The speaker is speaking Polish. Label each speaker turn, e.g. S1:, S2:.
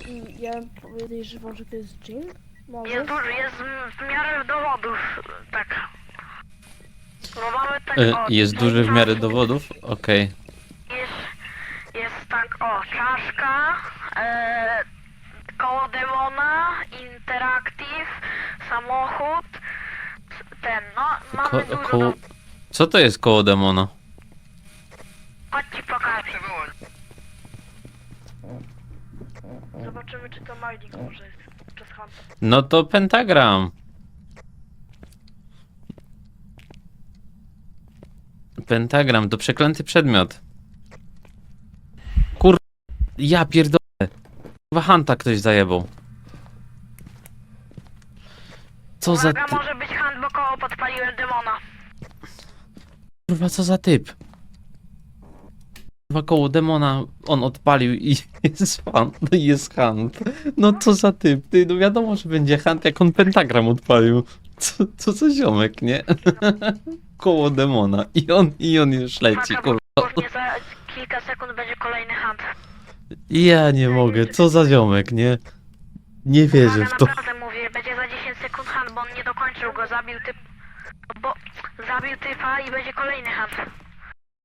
S1: I ja podejrzewam, że to jest dżin? Może?
S2: Jest duży, jest w miarę dowodów, tak. No mamy tak,
S3: Jest duży w miarę dowodów? Okej.
S2: Jest tak, czaszka, koło demona, interactive, samochód, mamy dużo
S3: Koło... Co to jest koło demona?
S2: Chodź ci pokażę. Zobaczymy, czy to Malik może jest przez Hunta.
S3: No to pentagram. Pentagram to przeklęty przedmiot. Kur... Ja pierdolę. Chyba Hanta ktoś zajebał. Co za
S2: Uwaga,
S3: ty...
S2: może być Hunt, bo koło podpaliłem demona.
S3: Kurwa, co za typ? Kurwa, koło demona on odpalił i jest Hunt. No i jest Hunt. No co za typ? Ty, no wiadomo, że będzie Hunt, jak on pentagram odpalił. Co za ziomek, nie? Koło demona. I on już leci,
S2: Uwaga,
S3: kurwa.
S2: bo dosłownie za kilka sekund będzie kolejny Hunt.
S3: Ja nie mogę, co za ziomek, nie? Nie wierzę w to.
S2: Naprawdę mówię, będzie za 10 sekund Hunt, bo on nie dokończył go, zabił typa i będzie kolejny Hunt.